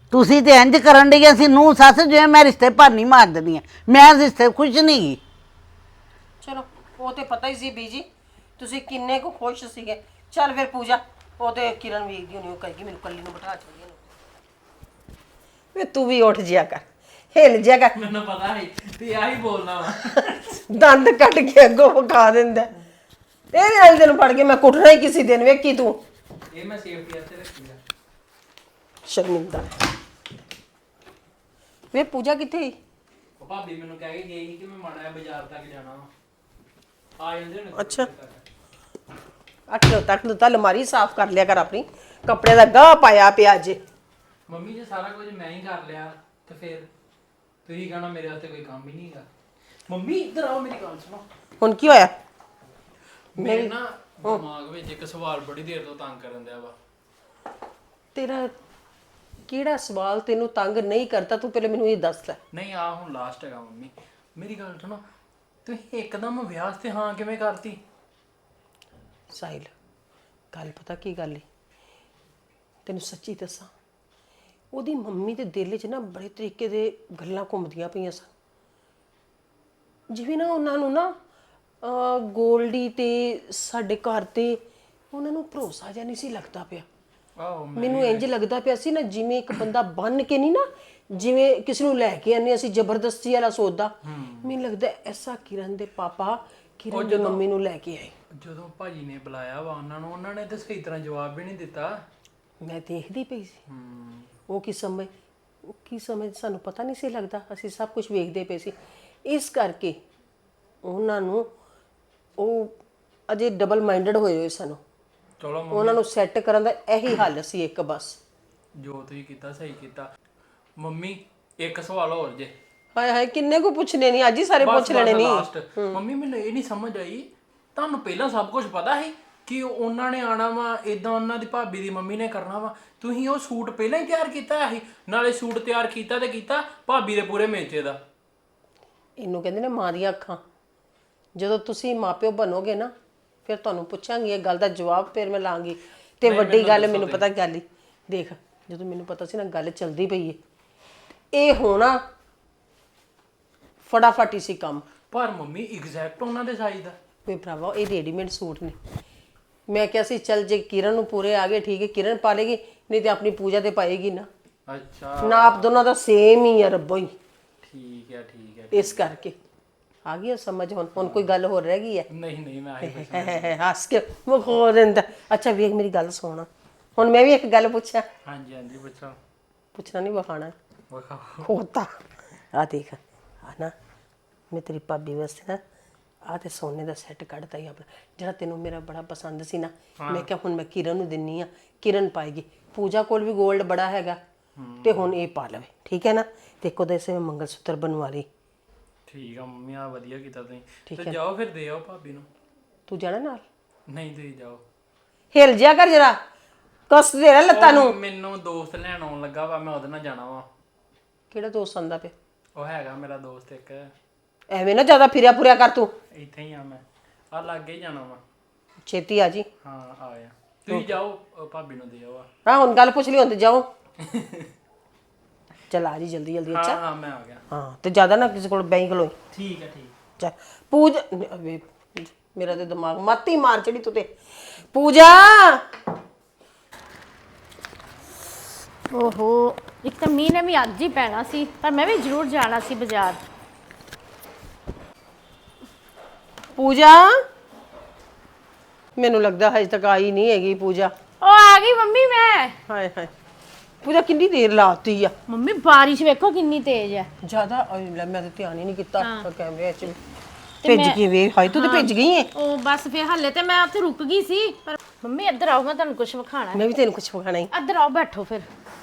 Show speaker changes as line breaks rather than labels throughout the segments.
ਤੁਸੀਂ ਤੇ ਇੰਜ ਕਰਨ ਡਈਆਂ ਸੀ ਨੂੰ ਸੱਸ, ਜਿਵੇਂ ਮੈਂ ਰਿਸ਼ਤੇ ਭਾਨੀ ਮਾਰ ਦਿੰਦੀ ਹਾਂ। ਮੈਂ ਰਿਸ਼ਤੇ ਖੁਸ਼ ਨਹੀਂ ਗਈ।
ਚਲੋ ਉਹ ਤੇ ਪਤਾ ਹੀ ਸੀ ਬੀਜੀ ਤੁਸੀਂ ਕਿੰਨੇ ਕੁ ਖੁਸ਼ ਸੀਗੇ। ਚੱਲ ਫਿਰ ਪੂਜਾ, ਉਹ ਤੇ ਕਿਰਨ ਵੇਖਦੀ ਹੋਣੀ, ਉਹ ਕਹੇਗੀ ਮੈਨੂੰ ਕੱਲੀ ਨੂੰ ਬਿਠਾ ਛੱਡੀਏ ਵੇ ਤੂੰ ਵੀ ਉੱਠ ਜਿਆ ਕਰ, ਹਿੱਲ ਜਿਆ ਕਰ।
ਮੈਨੂੰ ਪਤਾ ਨਹੀਂ ਤੇ ਆਹੀ ਬੋਲਣਾ ਵਾ।
ਦੰਦ ਕੱਢ ਕੇ ਅੱਗੋਂ ਵਿਖਾ ਦਿੰਦਾ। ਤੇਰੇ ਵਾਲੇ ਦਿਨ ਫੜ ਕੇ ਮੈਂ ਕੁੱਟਣਾ ਹੀ ਕਿਸੇ ਦਿਨ, ਵੇਖੀ ਤੂੰ।
ਇਹ ਮੈਂ ਸੇਫਟੀ ਵਾਸਤੇ ਰੱਖੀ ਆ।
ਸ਼ਰਮਿੰਦਾ ਵੇ ਪੂਜਾ ਕਿੱਥੇ ਸੀ?
ਉਹ ਭਾਬੀ ਮੈਨੂੰ ਕਹਿ ਕੇ ਗਈ ਸੀ ਕਿ ਮੈਂ ਮਾੜਾ ਜਿਹਾ ਬਾਜ਼ਾਰ ਤੱਕ ਜਾਣਾ ਵਾ। ਆ ਜਾਂਦੇ ਹੁਣ
ਅੱਛਾ। ਅੱਠ ਤੱਕ ਅਲਮਾਰੀ ਸਾਫ਼ ਕਰ ਲਿਆ ਕਰ ਆਪਣੀ, ਕੱਪੜੇ ਦਾ ਗਾਹ ਪਾਇਆ ਪਿਆ ਜੇ।
ਮੰਮੀ ਜੇ ਸਾਰਾ ਕੁਝ ਮੈਂ ਹੀ ਕਰ ਲਿਆ ਤੇ ਫਿਰ ਤੁਸੀਂ ਕਹਣਾ ਮੇਰੇ ਵਾਸਤੇ ਕੋਈ ਕੰਮ ਹੀ ਨਹੀਂ ਹੈਗਾ। ਮੰਮੀ ਇੱਧਰ ਆਓ, ਮੇਰੀ ਗੱਲ ਸੁਣੋ।
ਹੁਣ ਕੀ ਹੋਇਆ?
ਮੇਰੇ ਨਾ ਦਿਮਾਗ ਵਿੱਚ ਇੱਕ ਸਵਾਲ ਬੜੀ ਦੇਰ ਤੋਂ ਤੰਗ ਕਰਨ ਦਿਆ ਵਾ।
ਤੇਰਾ ਕਿਹੜਾ ਸਵਾਲ ਤੈਨੂੰ ਤੰਗ ਨਹੀਂ ਕਰਦਾ, ਤੂੰ ਪਹਿਲੇ ਮੈਨੂੰ ਇਹ ਦੱਸ ਲੈ।
ਨਹੀਂ ਆ ਹੁਣ ਲਾਸਟ ਹੈਗਾ ਮੰਮੀ, ਮੇਰੀ ਗੱਲ ਸੁਣੋ। ਤੁਸੀਂ ਇੱਕਦਮ ਵਿਆਹ ਤੇ ਹਾਂ ਕਿਵੇਂ ਕਰਤੀ?
ਸਾਹਿਲ, ਗੱਲ ਪਤਾ ਕੀ ਗੱਲ ਏ, ਤੈਨੂੰ ਸੱਚੀ ਦੱਸਾਂ, ਉਹਦੀ ਮੰਮੀ ਦੇ ਦਿਲ 'ਚ ਨਾ ਬੜੇ ਤਰੀਕੇ ਦੇ ਗੱਲਾਂ ਘੁੰਮਦੀਆਂ ਪਈਆਂ ਸਨ। ਜਿਵੇਂ ਨਾ ਉਹਨਾਂ ਨੂੰ ਨਾ ਗੋਲਡੀ ਤੇ ਸਾਡੇ ਘਰ ਤੇ ਉਹਨਾਂ ਨੂੰ ਭਰੋਸਾ ਜਿਹਾ ਨਹੀਂ ਸੀ ਲੱਗਦਾ ਪਿਆ।
ਆਹੋ
ਮੈਨੂੰ ਇੰਜ ਲੱਗਦਾ ਪਿਆ ਸੀ ਨਾ ਜਿਵੇਂ ਇੱਕ ਬੰਦਾ ਬੰਨ ਕੇ ਨਹੀਂ ਨਾ, ਜਿਵੇਂ ਕਿਸੇ ਨੂੰ ਲੈ ਕੇ ਆਨੇ ਅਸੀਂ ਜ਼ਬਰਦਸਤੀ ਵਾਲਾ ਸੌਦਾ। ਮੈਨੂੰ ਲੱਗਦਾ ਐਸਾ ਕਿਰਨ ਦੇ ਪਾਪਾ ਕਿਰਨ ਦੀ ਮੰਮੀ ਨੂੰ ਲੈ ਕੇ ਆਏ।
ਜਦੋਂ ਭਾਜੀ ਨੇ ਬੁਲਾਇਆ ਵਾ ਉਹਨਾਂ ਨੇ ਤਾਂ ਸਹੀ ਤਰ੍ਹਾਂ ਜਵਾਬ ਵੀ ਨਹੀਂ ਦਿੱਤਾ।
ਮੈਂ ਦੇਖਦੀ ਪਈ ਸੀ ਉਹ ਕੀ ਸਮਝ ਸਾਨੂੰ ਪਤਾ ਨਹੀਂ ਸੀ ਲੱਗਦਾ, ਅਸੀਂ ਸਭ ਕੁਝ ਵੇਖਦੇ ਪਏ ਸੀ। ਇਸ ਕਰਕੇ ਉਹਨਾਂ ਨੂੰ ਉਹ ਅਜੇ ਡਬਲ ਮਾਈਂਡਡ ਹੋਏ ਸਨ।
ਚਲੋ
ਉਹਨਾਂ ਨੂੰ ਸੈੱਟ ਕਰਨ ਦਾ ਇਹੀ ਹੱਲ ਸੀ ਇੱਕ ਬਸ।
ਜੋ ਤੁਸੀਂ ਕੀਤਾ ਸਹੀ ਕੀਤਾ। ਮੰਮੀ ਇੱਕ ਸਵਾਲ ਹੋਰ ਜੇ।
ਹਾਏ ਹਾਏ, ਕਿੰਨੇ ਕੋ ਪੁੱਛਣੇ ਨਹੀਂ, ਅੱਜ ਹੀ ਸਾਰੇ ਪੁੱਛ ਲੈਣੇ ਨਹੀਂ।
ਲਾਸਟ ਮੰਮੀ, ਮੈਨੂੰ ਇਹ ਨਹੀਂ ਸਮਝ ਆਈ, ਤੁਹਾਨੂੰ ਪਹਿਲਾਂ ਸਭ ਕੁਝ ਪਤਾ ਸੀ ਕਿ ਉਹਨਾਂ ਨੇ ਆਣਾ ਵਾ, ਇਦਾਂ ਉਹਨਾਂ ਦੀ ਭਾਬੀ ਦੀ ਮੰਮੀ ਨੇ ਕਰਨਾ ਵਾ? ਤੁਸੀਂ ਉਹ ਸੂਟ ਪਹਿਲਾਂ ਹੀ ਤਿਆਰ ਕੀਤਾ ਸੀ? ਨਾਲੇ ਸੂਟ ਤਿਆਰ ਕੀਤਾ ਤੇ ਕੀਤਾ ਭਾਬੀ ਦੇ ਪੂਰੇ ਮੇਚੇ ਦਾ।
ਇਹਨੂੰ ਕਹਿੰਦੇ ਨੇ ਮਾਂ ਦੀਆਂ ਅੱਖਾਂ। ਜਦੋਂ ਤੁਸੀਂ ਮਾਪਿਓ ਬਣੋਗੇ ਨਾ, ਫਿਰ ਤੁਹਾਨੂੰ ਪੁੱਛਾਂਗੀ ਇਹ ਗੱਲ ਦਾ ਜਵਾਬ, ਫਿਰ ਮੈਂ ਲਾਂਗੀ। ਤੇ ਵੱਡੀ ਗੱਲ ਮੈਨੂੰ ਪਤਾ ਗੱਲ ਹੀ ਦੇਖ, ਜਦੋਂ ਮੈਨੂੰ ਪਤਾ ਸੀ ਨਾ ਗੱਲ ਚੱਲਦੀ ਪਈ ਏ, ਇਹ ਹੋਣਾ ਫਟਾਫਟ ਹੀ ਸੀ ਕੰਮ।
ਪਰ ਮੰਮੀ ਐਗਜ਼ੈਕਟ ਉਹਨਾਂ ਦੇ ਸਾਈਜ਼ ਦਾ।
ਵੇ ਭਰਾਵਾ, ਇਹ ਰੈਡੀਮੇਡ ਸੂਟ ਨੇ। ਮੈਂ ਕਿਹਾ ਸੀ ਚੱਲ ਜੇ ਕਿਰਨ ਨੂੰ ਪੂਰੇ ਆ ਗਏ ਠੀਕ ਹੈ, ਕਿਰਨ ਪਾ ਲੇਗੀ, ਨਹੀਂ ਤੇ ਆਪਣੀ ਪੂਜਾ ਤੇ ਪਾਏਗੀ ਨਾ।
ਅੱਛਾ,
ਨਾਪ ਦੋਨਾਂ ਦਾ ਸੇਮ ਹੀ ਆ ਰੱਬੋ ਹੀ।
ਠੀਕ ਹੈ ਠੀਕ ਹੈ।
ਇਸ ਕਰਕੇ ਆ ਗਈ ਸਮਝ। ਹੁਣ ਕੋਈ ਗੱਲ ਹੋਰ ਰਹਿ ਗਈ ਹੈ?
ਨਹੀਂ ਮੈਂ ਆਹੀ ਪੁੱਛਣਾ।
ਹੱਸ ਕੇ ਮੁਖੋ ਦਿੰਦਾ। ਅੱਛਾ ਵੇਖ ਮੇਰੀ ਗੱਲ ਸੁਣ, ਹੁਣ ਮੈਂ ਵੀ ਇੱਕ ਗੱਲ ਪੁੱਛਾਂ?
ਹਾਂਜੀ ਪੁੱਛੋ।
ਪੁੱਛਣਾ ਨਹੀਂ, ਵਿਖਾਣਾ
ਵਿਖਾਓ।
ਹੋਤਾ। ਆ ਦੇਖ, ਆ ਨਾ ਮੈਂ ਤੇਰੀ ਭਾਬੀ ਵਾਸਤੇ ਨਾ ਆ ਤੇ ਸੋਨੇ ਦਾ ਸੈੱਟ ਕੱਢਤਾ ਹੀ ਆਪਣਾ, ਜਿਹੜਾ ਤੈਨੂੰ ਮੇਰਾ ਬੜਾ ਪਸੰਦ ਸੀ ਨਾ। ਮੈਂ ਕਿਹਾ ਹੁਣ ਮੈਂ ਕਿਰਨ ਨੂੰ ਦਿੰਨੀ ਆ, ਕਿਰਨ ਪਾਏਗੀ। ਪੂਜਾ ਕੋਲ ਵੀ 골ਡ ਬੜਾ ਹੈਗਾ ਤੇ ਹੁਣ ਇਹ ਪਾ ਲਵੇ, ਠੀਕ ਹੈ ਨਾ? ਤੇ ਇੱਕ ਉਹਦੇ ਇਸੇ ਮੰਗਲ ਸੂਤਰ ਬਣਵਾ ਲਈ।
ਠੀਕ ਆ ਮੰਮੀ, ਆ ਵਧੀਆ ਕੀਤਾ ਤੁਸੀਂ। ਤੇ ਜਾਓ ਫਿਰ ਦੇ ਆਓ ਭਾਬੀ ਨੂੰ।
ਤੂੰ ਜਾਣਾ ਨਾਲ?
ਨਹੀਂ ਤੁਸੀਂ ਜਾਓ।
ਹਿਲ ਜਿਆ ਕਰ ਜਰਾ, ਕਸ ਦੇ ਰਿਹਾ ਲੱਤਾਂ ਨੂੰ।
ਮੈਨੂੰ ਦੋਸਤ ਲੈਣ ਆਉਣ ਲੱਗਾ ਵਾ, ਮੈਂ ਉਹਦੇ ਨਾਲ ਜਾਣਾ ਵਾ।
ਕਿਹੜਾ ਦੋਸਤ ਆਂਦਾ ਪਿਆ?
ਉਹ ਹੈਗਾ ਮੇਰਾ ਦੋਸਤ ਇੱਕ।
ਐਵੇਂ ਨਾ ਜ਼ਿਆਦਾ ਫਿਰਿਆ ਪੁਰਿਆ ਕਰ ਤੂੰ।
ਇੱਥੇ ਹੀ ਆ ਮੈਂ, ਆ ਲਾਗੇ ਹੀ ਜਾਣਾ ਵਾ।
ਛੇਤੀ ਆ ਜੀ।
ਹਾਂ ਆਇਆ। ਤੁਸੀਂ ਜਾਓ, ਭਾਬੀ ਨੂੰ ਦੇ ਆਓ।
ਹਾਂ ਹੁਣ ਗੱਲ ਪੁੱਛ ਲਈ, ਹੁਣ ਤੇ ਜਾਓ। ਚਲ ਆ ਜੀ ਜਲਦੀ ਜਲਦੀ। ਅੱਛਾ
ਹਾਂ ਮੈਂ ਆ ਗਿਆ।
ਹਾਂ, ਤੇ ਜ਼ਿਆਦਾ ਨਾ ਕਿਸੇ ਕੋਲ ਬੈਂਕ ਲੋਈ।
ਠੀਕ ਹੈ ਠੀਕ।
ਚੱਲ ਪੂਜਾ, ਵੇ ਮੇਰਾ ਤੇ ਦਿਮਾਗ ਮਾਤੀ ਮਾਰ ਚੜੀ ਤੂੰ ਤੇ। ਪੂਜਾ,
ਓਹੋ, ਇੱਕ ਤਾਂ ਮੀਂਹ ਨੇ ਵੀ ਅੱਜ ਹੀ ਪੈਣਾ ਸੀ, ਪਰ ਮੈਂ ਵੀ ਜ਼ਰੂਰ ਜਾਣਾ ਸੀ ਬਾਜ਼ਾਰ।
ਪੂਜਾ, ਮੈਨੂੰ ਲੱਗਦਾ ਹਜੇ ਤੱਕ ਆਈ ਨਹੀਂ ਹੈਗੀ ਪੂਜਾ।
ਉਹ ਆ ਗਈ ਮੰਮੀ ਮੈਂ।
ਹਾਏ ਹਾਏ, ਪੂਜਾ ਕਿੰਨੀ ਦੇਰ ਲਾਤੀ ਆ।
ਮੰਮੀ ਬਾਰਿਸ਼ ਵੇਖੋ ਕਿੰਨੀ ਤੇਜ਼ ਹੈ।
ਜ਼ਿਆਦਾ ਲੈ, ਮੈਂ ਤਾਂ ਧਿਆਨ ਹੀ ਨਹੀਂ ਕੀਤਾ ਕੈਮਰੇ 'ਚ। ਭਿੱਜ ਗਈ ਵੇ, ਹਾਏ ਤੂੰ ਤੇ ਭਿੱਜ ਗਈ ਏ।
ਉਹ ਬਸ ਫਿਰ ਹੱਲੇ ਤੇ ਮੈਂ ਉੱਥੇ ਰੁਕ ਗਈ ਸੀ, ਪਰ ਮੰਮੀ ਇੱਧਰ ਆਓ, ਮੈਂ ਤੁਹਾਨੂੰ ਕੁਝ ਵਿਖਾਣਾ ਹੈ।
ਮੈਂ ਵੀ ਤੈਨੂੰ ਕੁਝ ਵਿਖਾਣਾ ਹੀ।
ਇੱਧਰ ਆਓ, ਬੈਠੋ ਫਿਰ।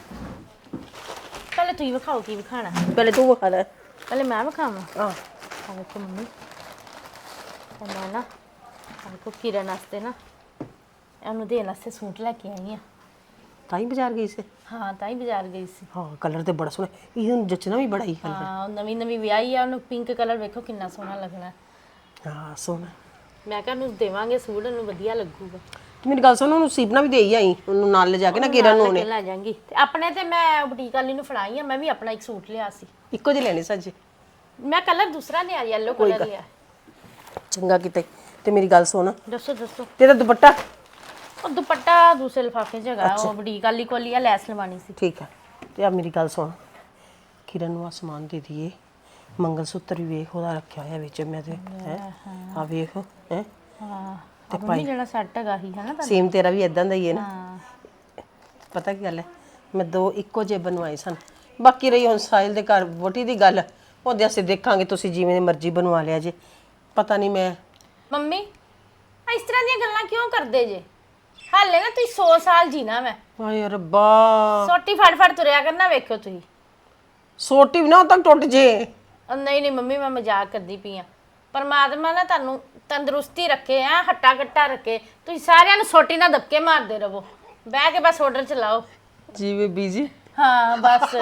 ਪਹਿਲੇ ਤੁਸੀਂ ਵਿਖਾਓ ਕੀ ਵਿਖਾਣਾ।
ਪਹਿਲੇ ਤੂੰ ਵਿਖਾ ਲੈ।
ਪਹਿਲੇ ਮੈਂ ਵਿਖਾਵਾਂ?
ਹਾਂ
ਆ ਵੇਖੋ ਮੰਮੀ, ਮੈਂ ਨਾ ਆ ਵੇਖੋ ਕਿਰਨ ਵਾਸਤੇ ਨਾ ਉਹਨੂੰ ਦੇਣ ਵਾਸਤੇ ਸੂਟ ਲੈ ਕੇ ਆਈ ਆ।
ਤਾਂ ਹੀ ਬਾਜ਼ਾਰ ਗਈ ਸੀ?
ਹਾਂ, ਤਾਂ ਹੀ ਬਾਜ਼ਾਰ ਗਈ ਸੀ।
ਹਾਂ, ਕਲਰ ਤੇ ਬੜਾ ਸੋਹਣਾ, ਇਹਨੂੰ ਜੱਚਣਾ ਵੀ ਬੜਾ ਹੀ ਕਲਰ।
ਹਾਂ, ਨਵੀਂ ਨਵੀਂ ਵਿਆਹੀ ਆ, ਉਹਨੂੰ ਪਿੰਕ ਕਲਰ ਵੇਖੋ ਕਿੰਨਾ ਸੋਹਣਾ ਲੱਗਣਾ।
ਹਾਂ ਸੋਹਣਾ।
ਮੈਂ ਕਿਹਾ ਉਹਨੂੰ ਦੇਵਾਂਗੇ ਸੂਟ, ਉਹਨੂੰ ਵਧੀਆ ਲੱਗੂਗਾ।
ਮੇਰੀ ਗੱਲ ਸੁਣ, ਉਹਨੂੰ ਸੀਪਨਾ ਵੀ ਦੇ ਹੀ ਆਈ, ਉਹਨੂੰ ਨਾਲ ਲੈ ਜਾ ਕੇ ਨਾ ਕਿਰਨ ਨੂੰ ਉਹਨੇ।
ਲੈ ਜਾਾਂਗੀ ਤੇ ਆਪਣੇ ਤੇ ਮੈਂ ਬੁਟੀਕ ਵਾਲੀ ਨੂੰ ਫੜਾਈ ਆ, ਮੈਂ ਵੀ ਆਪਣਾ ਇੱਕ ਸੂਟ ਲਿਆ ਸੀ।
ਇੱਕੋ ਜਿਹੇ ਲੈਣੇ ਸੱਜੇ।
ਮੈਂ ਕਲਰ ਦੂਸਰਾ ਲਿਆ, ਯੈਲੋ ਕਲਰ ਲਿਆ।
ਚੰਗਾ ਕਿਤੇ। ਤੇ ਮੇਰੀ ਗੱਲ ਸੁਣ,
ਦੱਸੋ ਦੱਸੋ।
ਤੇਰਾ ਦੁਪੱਟਾ?
ਉਹ ਦੁਪੱਟਾ ਦੂਸਰੇ ਲਿਫਾਫੇ 'ਚ ਹੈਗਾ, ਉਹ ਬੁਟੀਕ ਵਾਲੀ ਕੋਲ ਹੀ ਆ, ਲੈਸ ਲਵਾਣੀ ਸੀ।
ਠੀਕ ਹੈ। ਤੇ ਆ ਮੇਰੀ ਗੱਲ ਸੁਣ, ਕਿਰਨ ਨੂੰ ਆ ਸਮਾਨ ਦੇ ਦਈਏ। ਮੰਗਲ ਸੂਤਰ ਵੀ ਵੇਖ ਉਹਦਾ ਰੱਖਿਆ ਹੋਇਆ ਵਿੱਚ ਮੈਂ ਤੇ ਹੈ। ਆ ਵੇਖ ਹੈ।
ਹਾਂ ਤੇ ਭਾਈ ਜਿਹੜਾ ਸੈੱਟ ਹੈਗਾ ਹੀ ਹੈ ਨਾ
ਸੇਮ ਤੇਰਾ ਵੀ ਇਦਾਂ ਦਾ ਹੀ ਹੈ ਨਾ।
ਹਾਂ
ਪਤਾ ਕੀ ਗੱਲ ਹੈ, ਮੈਂ 2 ਇੱਕੋ ਜਿਹੇ ਬਣਵਾਏ ਸਨ। ਬਾਕੀ ਰਹੀ ਹੁਣ ਸਾਹਿਲ ਦੇ ਘਰ ਵੋਟੀ ਦੀ ਗੱਲ, ਉਹਦੇ ਅਸੀਂ ਦੇਖਾਂਗੇ, ਤੁਸੀਂ ਜਿਵੇਂ ਮਰਜ਼ੀ ਬਣਵਾ ਲਿਆ ਜੇ। ਪਤਾ ਨਹੀਂ ਮੈਂ
ਮੰਮੀ ਇਸ ਤਰ੍ਹਾਂ ਦੀਆਂ ਗੱਲਾਂ ਕਿਉਂ ਕਰਦੇ ਜੇ? ਹਾਲੇ ਨਾ ਤੁਸੀਂ 100 ਸਾਲ ਜੀਣਾ ਮੈਂ।
ਹਾਏ ਰੱਬਾ,
ਸੋਟੀ ਫੜ ਫੜ ਤੁਰਿਆ ਕਰਨਾ, ਵੇਖਿਓ ਤੁਸੀਂ।
ਸੋਟੀ ਵੀ ਨਾ ਉਦੋਂ ਤੱਕ ਟੁੱਟ ਜੇ।
ਨਹੀਂ ਨਹੀਂ ਮੰਮੀ, ਮੈਂ ਮਜ਼ਾਕ ਕਰਦੀ ਪਈ ਆ। ਪਰਮਾਤਮਾ ਨਾ ਤੁਹਾਨੂੰ ਤੰਦਰੁਸਤੀ ਰੱਖੇ ਆ, ਹੱਟਾ ਕੱਟਾ ਰੱਖੇ। ਤੁਸੀਂ ਸਾਰਿਆਂ ਨੂੰ ਸੋਟੀ ਨਾਲ ਧੱਕੇ ਮਾਰਦੇ ਰਹੋ, ਬਹਿ ਕੇ ਬਸ ਆਰਡਰ ਚਲਾਓ।
ਜਿਵੇਂ ਬੀਜੀ।
ਹਾਂ ਬਸ।